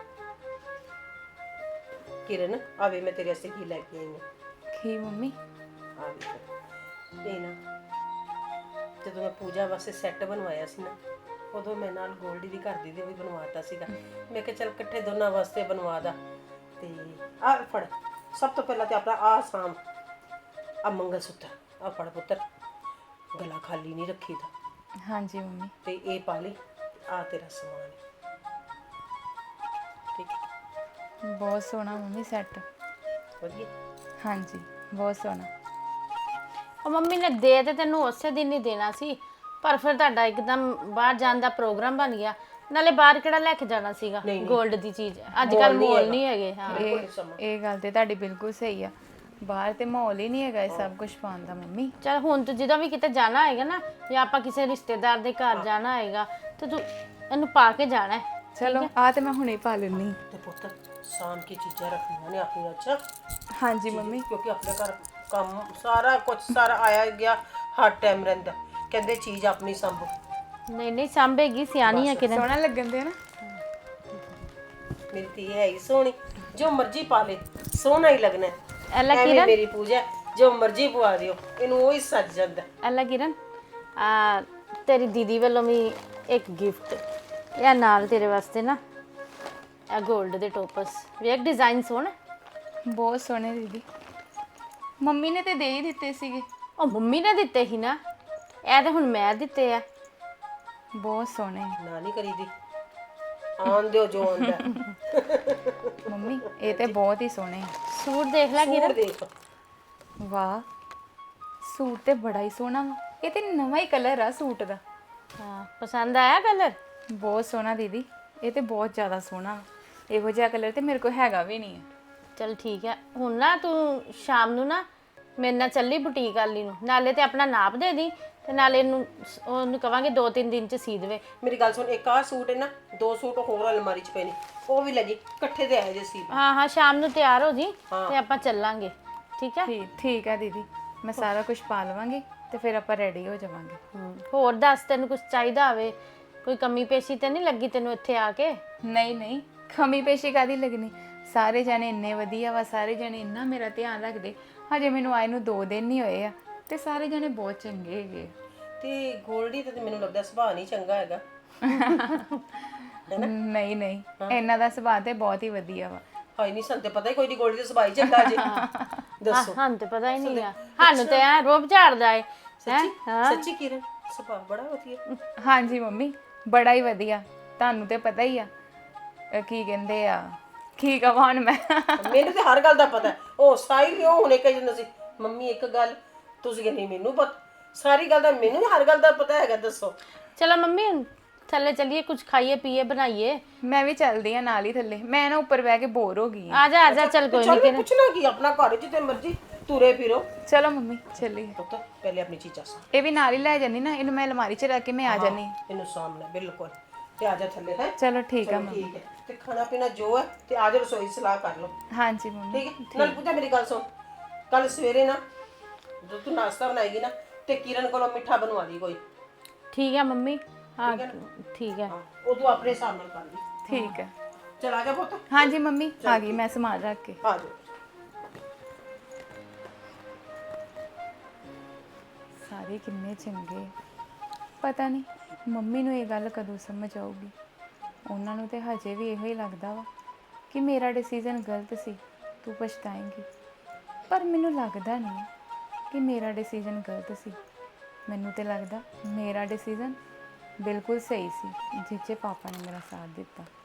ਕਿਰਨ ਆਵੇ ਮੈਂ ਤੇਰੇ ਵਾਸਤੇ ਕੀ ਲੈ ਕੇ ਆਈ ਹਾਂ।
ਕੀ ਮੰਮੀ?
ਆ ਵੇਖ ਇਹ ਨਾ, ਜਦੋਂ ਮੈਂ ਪੂਜਾ ਵਾਸਤੇ ਸੈੱਟ ਬਣਵਾਇਆ ਸੀ ਨਾ, ਉਦੋਂ ਮੈਂ ਨਾਲ ਗੋਲਡੀ ਦੀ ਘਰ ਦੀ ਦੇ ਵੀ ਬਣਵਾਤਾ ਸੀਗਾ। ਮੈਂ ਕਿਹਾ ਚੱਲ ਇਕੱਠੇ ਦੋਨਾਂ ਵਾਸਤੇ ਬਣਵਾ ਦਾ। ਤੇ ਆ ਫੜ, ਸਭ ਤੋਂ ਪਹਿਲਾਂ ਤੇ ਆਪਣਾ ਆ ਸਾਮ ਆ ਮੰਗਲ ਸੂਤਰ ਆ ਫੜ ਪੁੱਤਰ, ਗਲਾ ਖਾਲੀ ਨਹੀਂ ਰੱਖੀਦਾ।
ਹਾਂਜੀ ਮੰਮੀ।
ਤੇ ਇਹ ਪਾ ਲਈ, ਆ ਤੇਰਾ ਸਮਾਨ। ਠੀਕ ਹੈ?
ਬਹੁਤ ਸੋਹਣਾ ਮੰਮੀ ਸੈੱਟ।
ਵਧੀਆ।
ਹਾਂਜੀ ਬਹੁਤ ਸੋਹਣਾ।
ਉਹ ਮੰਮੀ ਨੇ ਦੇ ਤੇ ਤੈਨੂੰ ਉਸੇ ਦਿਨ ਹੀ ਦੇਣਾ ਸੀ, ਪਰ ਫਿਰ ਤੁਹਾਡਾ ਇੱਕਦਮ ਬਾਹਰ ਜਾਣ ਦਾ ਪ੍ਰੋਗਰਾਮ ਬਣ ਗਿਆ। ਨਾਲੇ ਬਾਹਰ ਕਿਹੜਾ ਲੈ ਕੇ ਜਾਣਾ ਸੀਗਾ 골ਡ ਦੀ ਚੀਜ਼? ਅੱਜ ਕੱਲ ਮੋਲ ਨਹੀਂ ਹੈਗੇ। ਹਾਂ
ਇਹ ਗੱਲ ਤੇ ਤੁਹਾਡੀ ਬਿਲਕੁਲ ਸਹੀ ਆ। ਬਾਹਰ ਤੇ ਮਾਹੌਲ ਹੀ ਨਹੀਂ ਹੈਗਾ ਇਹ ਸਭ ਕੁਝ ਪਾਉਣ ਦਾ ਮੰਮੀ।
ਚਲ ਹੁਣ ਤੂੰ ਜਦੋਂ ਵੀ ਕਿਤੇ ਜਾਣਾ ਹੈਗਾ ਨਾ, ਜਾਂ ਆਪਾਂ ਕਿਸੇ ਰਿਸ਼ਤੇਦਾਰ ਦੇ ਘਰ ਜਾਣਾ ਹੈਗਾ, ਤੇ ਤੂੰ ਇਹਨੂੰ ਪਾ ਕੇ ਜਾਣਾ ਹੈ।
ਚਲੋ ਆ ਤੇ ਮੈਂ ਹੁਣੇ ਪਾ ਲੈਣੀ।
ਤੇ ਪੁੱਤ ਸਾਂਭ ਕੇ ਚੀਜ਼ਾਂ ਰੱਖਣੀਆਂ ਨੇ ਆਪਣੀਆਂ। ਅੱਛਾ?
ਹਾਂਜੀ ਮੰਮੀ।
ਕਿਉਂਕਿ ਆਪਣੇ ਘਰ ਕੰਮ ਸਾਰਾ ਕੁਝ ਸਾਰਾ ਆਇਆ ਗਿਆ ਹਰ ਟਾਈਮ ਰਹਿੰਦਾ। ਕਹਿੰਦੇ ਚੀਜ਼ ਆਪਣੀ ਸੰਭੋ।
ਨਹੀਂ ਨਹੀਂ ਸਾਂਭੇਗੀ, ਸਿਆਣੀ ਆ ਕਿਰਨ।
ਸੋਹਣਾ ਲੱਗਣ ਦੇ ਨਾ।
ਮੇਰੀ ਧੀ ਹੈ ਹੀ ਸੋਹਣੀ, ਜੋ ਮਰਜ਼ੀ ਪਾ ਲੈ ਸੋਹਣਾ ਹੀ ਲੱਗਣਾ।
ਐਲਾ
ਐਵੇਂ
ਕਿਰਨ,
ਮੇਰੀ ਪੂਜਾ ਜੋ ਮਰਜ਼ੀ ਪਵਾ ਦਿਓ, ਇਹਨੂੰ ਉਹ ਹੀ ਸੱਜ ਜਾਂਦਾ।
ਐਲਾ ਕਿਰਨ, ਆ ਤੇਰੀ ਦੀਦੀ ਵੱਲੋਂ ਵੀ ਇੱਕ ਗਿਫਟ ਇਹ ਨਾਲ ਤੇਰੇ ਵਾਸਤੇ ਨਾ, ਇਹ 골ਡ ਦੇ ਟੋਪਸ ਵੇਖ, ਡਿਜ਼ਾਈਨ ਸੋਹਣਾ।
ਬਹੁਤ ਸੋਹਣੇ ਦੀਦੀ। ਮੰਮੀ ਨੇ ਤੇ ਦੇ ਹੀ ਦਿੱਤੇ ਸੀਗੇ।
ਉਹ ਮੰਮੀ ਨੇ ਦਿੱਤੇ ਸੀ ਨਾ, ਇਹ ਤੇ ਹੁਣ ਮੈਂ ਦਿੱਤੇ ਆ।
ਬਹੁਤ ਸੋਹਣੇ।
ਨਾ ਨਹੀਂ ਕਰੀਦੀ, ਆਉਣ ਦਿਓ ਜੋ ਆਉਂਦਾ।
ਮੰਮੀ ਇਹ ਤੇ ਬਹੁਤ ਹੀ ਸੋਹਣੇ ਆ।
ਸੂਟ ਦੇਖ ਲੈ
ਸੂਟ
ਕਿਰਨ।
ਦੇਖ,
ਵਾਹ ਸੂਟ ਤੇ ਬੜਾ ਹੀ ਸੋਹਣਾ ਵਾ। ਇਹ ਤੇ ਨਵਾਂ ਹੀ ਕਲਰ ਆ ਸੂਟ ਦਾ।
ਹਾਂ ਪਸੰਦ ਆਇਆ ਕਲਰ?
ਬਹੁਤ ਸੋਹਣਾ ਦੀਦੀ, ਇਹ ਤੇ ਬਹੁਤ ਜ਼ਿਆਦਾ ਸੋਹਣਾ। ਇਹੋ ਜਿਹਾ ਕਲਰ ਤੇ ਮੇਰੇ ਕੋਲ ਹੈਗਾ ਵੀ ਨਹੀਂ ਹੈ।
ਚਲ ਠੀਕ ਹੈ। ਹੁਣ ਨਾ ਤੂੰ ਸ਼ਾਮ ਨੂੰ ਨਾ ਮੇਰੇ ਨਾਲ ਚੱਲੀ ਬੁਟੀਕ ਵਾਲੀ ਨੂੰ, ਨਾਲੇ ਤੇ ਆਪਣਾ ਨਾਪ ਦੇ ਦੀ, ਤੇ ਨਾਲੇ ਉਹਨੂੰ ਕਵਾਂਗੇ 2-3 ਦਿਨ ਚ ਸੀ ਦੇਵੇ।
ਮੇਰੀ ਗੱਲ ਸੁਣ, ਇੱਕ ਆਹ ਸੂਟ ਹੈ ਨਾ, 2 ਸੂਟ ਹੋਰ ਅਲਮਾਰੀ 'ਚ ਪਏ ਨੇ, ਉਹ ਵੀ ਲੈ ਜੀ, ਇਕੱਠੇ ਦੇ ਆਏ ਜੇ ਸੀ।
ਹਾਂ ਹਾਂ ਸ਼ਾਮ ਨੂੰ ਤਿਆਰ ਹੋ ਜੀ ਤੇ ਆਪਾਂ ਚੱਲਾਂਗੇ। ਠੀਕ ਹੈ?
ਠੀਕ ਹੈ ਦੀਦੀ, ਮੈਂ ਸਾਰਾ ਕੁਝ ਪਾ ਲਵਾਂਗੀ ਤੇ ਫਿਰ ਆਪਾਂ ਰੈਡੀ ਹੋ ਜਾਵਾਂਗੇ।
ਹੋਰ ਦੱਸ, ਤੈਨੂੰ ਕੁਝ ਚਾਹੀਦਾ ਹੋਵੇ? ਕੋਈ ਕਮੀ ਪੇਸ਼ੀ ਤੇ ਨਹੀਂ ਲੱਗੀ ਤੈਨੂੰ ਇੱਥੇ ਆ ਕੇ?
ਨਹੀਂ ਨਹੀਂ, ਕਮੀ ਪੇਸ਼ੀ ਕਾਦੀ ਲੱਗਣੀ। ਸਾਰੇ ਜਣੇ ਇੰਨੇ ਵਧੀਆ ਵਾ, ਸਾਰੇ ਜਣੇ ਇੰਨਾ ਮੇਰਾ ਧਿਆਨ ਰੱਖਦੇ। ਹਜੇ ਮੈਨੂੰ ਆਏ ਨੂੰ 2 ਦਿਨ ਨਹੀਂ ਹੋਏ ਆ ਤੇ ਸਾਰੇ ਜਣੇ ਬਹੁਤ ਚੰਗੇ ਹੈਗੇ।
ਤੇ ਗੋਲਡੀ ਤੇ ਮੈਨੂੰ ਲੱਗਦਾ ਸੁਭਾਅ ਨਹੀਂ ਚੰਗਾ ਹੈਗਾ।
ਨਹੀਂ ਨਹੀਂ, ਇਹਨਾਂ ਦਾ ਸੁਭਾਅ ਤੇ ਬਹੁਤ ਹੀ ਵਧੀਆ ਵਾ।
ਹਾਏ ਨਹੀਂ, ਸਾਨੂੰ ਤੇ ਪਤਾ ਹੀ ਕੋਈ ਨਹੀਂ ਗੋਲਡੀ ਦਾ ਸੁਭਾਅ ਹੀ ਚੰਗਾ ਜੇ। ਦੱਸੋ।
ਸਾਨੂੰ ਤੇ ਪਤਾ ਹੀ ਨਹੀਂ ਆ, ਸਾਨੂੰ ਤੇ ਐ ਰੋਬ ਝਾੜਦਾ ਏ।
ਸੱਚੀ ਸੱਚੀ ਕਿਰਨ, ਸੁਭਾਅ ਬੜਾ ਵਧੀਆ।
ਹਾਂਜੀ ਮੰਮੀ, ਬੜਾ ਹੀ ਵਧੀਆ। ਤੁਹਾਨੂੰ ਤੇ ਪਤਾ ਹੀ ਆ ਕੀ ਕਹਿੰਦੇ ਆ, ਕੀ ਕਹਾਂ ਹੁਣ ਮੈਂ।
ਮੈਨੂੰ ਤੇ ਹਰ ਗੱਲ ਦਾ ਪਤਾ ਹੈ। ਉਹ ਸਾਹਿਲ ਹੀ ਉਹ ਹੁਣੇ ਕਹੀ ਜਾਂਦਾ ਸੀ, ਮੰਮੀ ਇੱਕ ਗੱਲ ਤੁਸੀਂ ਕਹਿੰਦੇ ਮੈਨੂੰ ਪਤਾ, ਸਾਰੀ ਗੱਲ ਦਾ ਮੈਨੂੰ ਵੀ ਹਰ ਗੱਲ ਦਾ ਪਤਾ ਹੈਗਾ। ਦੱਸੋ।
ਚਲੋ ਮੰਮੀ ਹੁਣ ਥੱਲੇ ਚੱਲੀਏ, ਕੁਝ ਖਾਈਏ ਪੀਏ ਬਣਾਈਏ।
ਮੈਂ ਵੀ ਚੱਲਦੀ ਆ ਨਾਲ ਹੀ ਥੱਲੇ। ਮੈਂ ਨਾ ਉੱਪਰ ਬਹਿ ਕੇ ਬੋਰ ਹੋ ਗਈ ਆ।
ਆ ਜਾ ਚੱਲ ਕੋਈ
ਚੱਲ
ਨਹੀਂ।
ਮੈਂ ਪੁੱਛਣਾ ਕੀ, ਆਪਣਾ ਘਰ ਜਿੱਥੇ ਮਰਜ਼ੀ ਤੁਰੇ ਫਿਰੋ।
ਚਲੋ ਮੰਮੀ ਚੱਲੀਏ।
ਪੁੱਤ ਪਹਿਲੇ ਆਪਣੀ ਚੀਜ਼ਾਂ ਸਾਂਭ।
ਇਹ ਵੀ ਨਾਲ ਹੀ ਲੈ ਜਾਨੀ ਨਾ, ਇਹਨੂੰ ਮੈਂ ਅਲਮਾਰੀ 'ਚ ਰੱਖ ਕੇ ਮੈਂ ਆ ਜਾਨੀ।
ਇਹਨੂੰ ਸਾਂਭਣਾ ਬਿਲਕੁਲ। ਤੇ ਆ ਜਾ ਥੱਲੇ ਹੈ।
ਚਲੋ ਠੀਕ ਆ ਮੰਮੀ।
ਠੀਕ ਹੈ, ਤੇ ਖਾਣਾ ਪੀਣਾ ਜੋ ਹੈ ਤੇ ਆ ਜਾ ਰਸੋਈ ਸਲਾਹ ਕਰ ਲਓ।
ਹਾਂਜੀ ਮੰਮੀ।
ਠੀਕ ਹੈ। ਨਾਲ ਪੂਜਾ ਮੇਰੀ ਗੱਲ ਸੁਣ, ਕੱਲ ਸਵੇਰੇ ਨਾ ਜਦੋਂ ਤੂੰ ਨਾਸ਼ਤਾ ਬਣਾਏਗੀ ਨਾ, ਤੇ ਕਿਰਨ ਕੋਲੋਂ ਮਿੱਠਾ ਬਣਵਾ ਲਈ ਕੋਈ।
ਠੀਕ ਹੈ ਮੰਮੀ। ਹਾਂ ਠੀਕ ਹੈ।
ਉਹ ਤੂੰ ਆਪਣੇ ਹਿਸਾਬ ਨਾਲ ਕਰ ਲਈ।
ਠੀਕ ਹੈ।
ਚਲ ਆ ਜਾ ਪੁੱਤ।
ਹਾਂਜੀ ਮੰਮੀ ਆ ਗਈ ਮੈਂ ਸਮਾਨ ਰੱਖ ਕੇ।
ਆ ਜਾ।
ਸਾਰੇ ਕਿੰਨੇ ਚੰਗੇ। ਪਤਾ ਨਹੀਂ ਮੰਮੀ ਨੂੰ ਇਹ ਗੱਲ ਕਦੋਂ ਸਮਝ ਆਊਗੀ। ਉਹਨਾਂ ਨੂੰ ਤੇ ਹਜੇ ਵੀ ਇਹੋ ਹੀ ਲੱਗਦਾ ਵਾ ਕਿ ਮੇਰਾ ਡਿਸੀਜਨ ਗਲਤ ਸੀ, ਤੂੰ ਪਛਤਾਏਂਗੀ। ਪਰ ਮੈਨੂੰ ਲੱਗਦਾ ਨਹੀਂ ਕਿ ਮੇਰਾ ਡਿਸੀਜਨ ਗਲਤ ਸੀ। ਮੈਨੂੰ ਤੇ ਲੱਗਦਾ ਮੇਰਾ ਡਿਸੀਜਨ ਬਿਲਕੁਲ ਸਹੀ ਸੀ ਜਿੱਚੇ ਪਾਪਾ ਨੇ ਮੇਰਾ ਸਾਥ ਦਿੱਤਾ।